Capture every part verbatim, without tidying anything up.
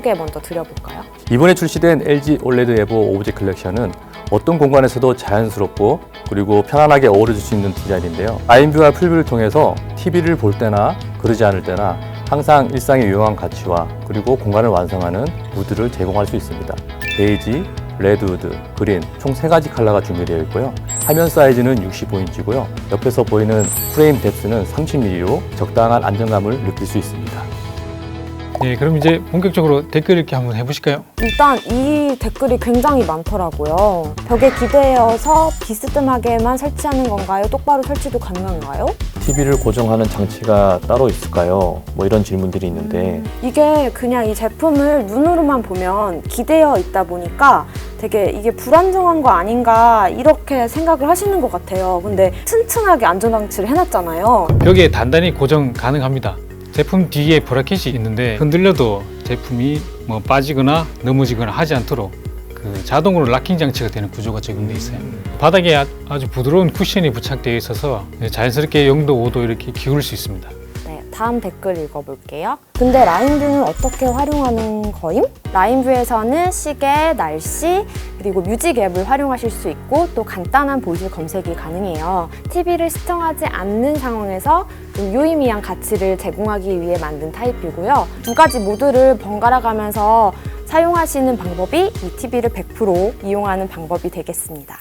소개 먼저 드려볼까요? 이번에 출시된 엘지 올레드 에보 오브젝 컬렉션은 어떤 공간에서도 자연스럽고 그리고 편안하게 어우러질 수 있는 디자인인데요. 라인뷰와 풀뷰를 통해서 티비를 볼 때나 그러지 않을 때나 항상 일상에 유용한 가치와 그리고 공간을 완성하는 무드를 제공할 수 있습니다. 베이지, 레드우드, 그린 총 세 가지 컬러가 준비되어 있고요. 화면 사이즈는 육십오 인치고요. 옆에서 보이는 프레임 뎁스는 삼십 밀리미터로 적당한 안정감을 느낄 수 있습니다. 네, 그럼 이제 본격적으로 댓글 읽기 한번 해보실까요? 일단 이 댓글이 굉장히 많더라고요. 벽에 기대어서 비스듬하게만 설치하는 건가요? 똑바로 설치도 가능한가요? 티비를 고정하는 장치가 따로 있을까요? 뭐 이런 질문들이 있는데 이게 그냥 이 제품을 눈으로만 보면 기대어 있다 보니까 되게 이게 불안정한 거 아닌가 이렇게 생각을 하시는 것 같아요. 근데 튼튼하게 안전장치를 해놨잖아요. 벽에 단단히 고정 가능합니다. 제품 뒤에 브라켓이 있는데 흔들려도 제품이 뭐 빠지거나 넘어지거나 하지 않도록 그 자동으로 락킹 장치가 되는 구조가 적용되어 있어요. 바닥에 아- 아주 부드러운 쿠션이 부착되어 있어서 자연스럽게 영 도, 오 도 이렇게 기울일 수 있습니다. 네, 다음 댓글 읽어볼게요. 근데 라인뷰는 어떻게 활용하는 거임? 라인뷰에서는 시계, 날씨, 그리고 뮤직 앱을 활용하실 수 있고 또 간단한 보이스 검색이 가능해요. 티비를 시청하지 않는 상황에서 좀 유의미한 가치를 제공하기 위해 만든 타입이고요. 두 가지 모드를 번갈아 가면서 사용하시는 방법이 이 티비를 백 퍼센트 이용하는 방법이 되겠습니다.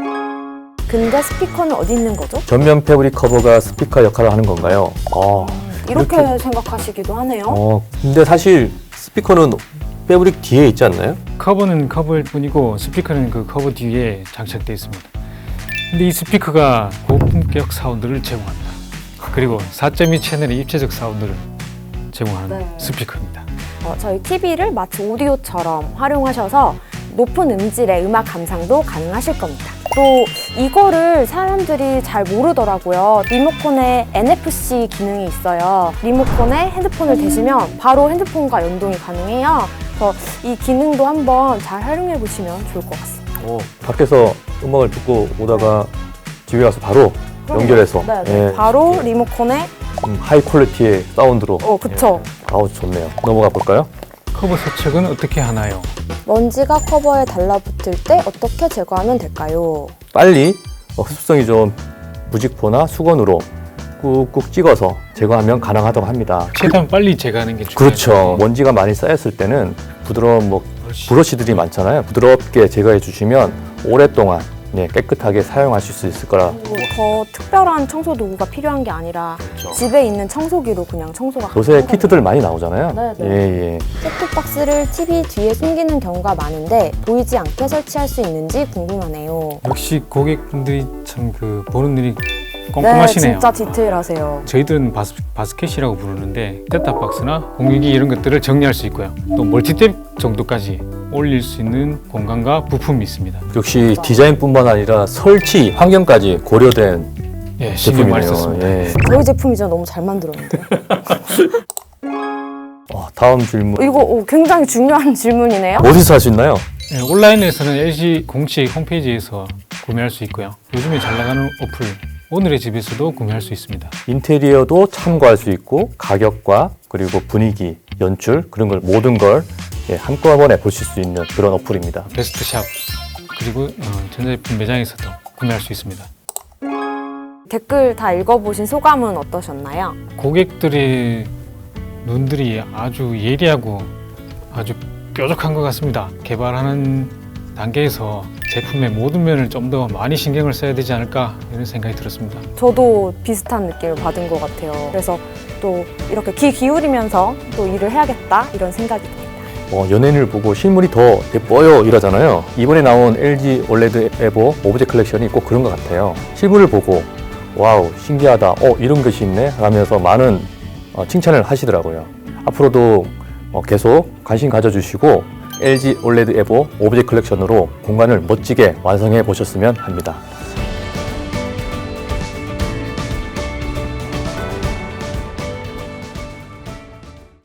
근데 스피커는 어디 있는 거죠? 전면 패브릭 커버가 스피커 역할을 하는 건가요? 어, 이렇게, 이렇게- 생각하시기도 하네요. 어, 근데 사실 스피커는 패브릭 뒤에 있지 않나요? 커버는 커버일 뿐이고 스피커는 그 커버 뒤에 장착되어 있습니다. 근데 이 스피커가 고품격 사운드를 제공합니다. 그리고 사 점 이 채널의 입체적 사운드를 제공하는 네. 스피커입니다. 어, 저희 티비를 마치 오디오처럼 활용하셔서 높은 음질의 음악 감상도 가능하실 겁니다. 또 이거를 사람들이 잘 모르더라고요. 리모컨에 엔에프씨 기능이 있어요. 리모컨에 핸드폰을 대시면 바로 핸드폰과 연동이 가능해요. 그래서 이 기능도 한번 잘 활용해 보시면 좋을 것 같습니다. 어, 밖에서 음악을 듣고 오다가 집에 와서 바로 연결해서 네, 네. 예, 바로 리모컨에 음, 하이 퀄리티의 사운드로 어, 그쵸. 예. 아우 좋네요. 넘어가 볼까요? 커버 세척은 어떻게 하나요? 먼지가 커버에 달라붙을 때 어떻게 제거하면 될까요? 빨리 어, 흡수성이 좋은 무직포나 수건으로 꾹꾹 찍어서 제거하면 가능하다고 합니다. 최대한 빨리 제거하는 게 중요해요. 그렇죠. 먼지가 많이 쌓였을 때는 부드러운 뭐 브러쉬들이 많잖아요. 부드럽게 제거해 주시면 오랫동안 네, 깨끗하게 사용하실 수 있을 거라. 더 특별한 청소 도구가 필요한 게 아니라 집에 있는 청소기로 그냥 청소가 요새 가능하거든요. 키트들 많이 나오잖아요. 네, 네. 예, 예. 셋톱박스를 티비 뒤에 숨기는 경우가 많은데 보이지 않게 설치할 수 있는지 궁금하네요. 역시 고객분들이 참 그 보는 눈이 꼼꼼하시네요. 네, 진짜 디테일하세요. 저희들은 바스, 바스켓이라고 부르는데 셋탑박스나 공유기 이런 것들을 정리할 수 있고요. 또 멀티탭 정도까지 올릴 수 있는 공간과 부품이 있습니다. 역시 디자인뿐만 아니라 설치 환경까지 고려된 예, 신경 많이 제품이네요. 썼습니다. 예. 저희 제품이죠. 너무 잘 만들었는데. 어, 다음 질문. 이거 오, 굉장히 중요한 질문이네요. 어디서 할 수 있나요? 예, 온라인에서는 엘지 공식 홈페이지에서 구매할 수 있고요. 요즘에 잘 나가는 어플 오늘의 집에서도 구매할 수 있습니다. 인테리어도 참고할 수 있고 가격과 그리고 분위기, 연출 그런 걸 모든 걸 예, 한꺼번에 보실 수 있는 그런 어플입니다. 베스트샵 그리고 어, 전자제품 매장에서도 구매할 수 있습니다. 댓글 다 읽어보신 소감은 어떠셨나요? 고객들의 눈들이 아주 예리하고 아주 뾰족한 것 같습니다. 개발하는 단계에서 제품의 모든 면을 좀 더 많이 신경을 써야 되지 않을까 이런 생각이 들었습니다. 저도 비슷한 느낌을 받은 것 같아요. 그래서 또 이렇게 귀 기울이면서 또 일을 해야겠다 이런 생각이 듭니다. 어, 연예인을 보고 실물이 더 예뻐요 이러잖아요. 이번에 나온 엘지 올레드 에보 오브젝 컬렉션이 꼭 그런 것 같아요. 실물을 보고 와우 신기하다, 어 이런 것이 있네 하면서 많은 어, 칭찬을 하시더라고요. 앞으로도 어, 계속 관심 가져주시고 엘지 올레드 에보 오브젝 컬렉션으로 공간을 멋지게 완성해 보셨으면 합니다.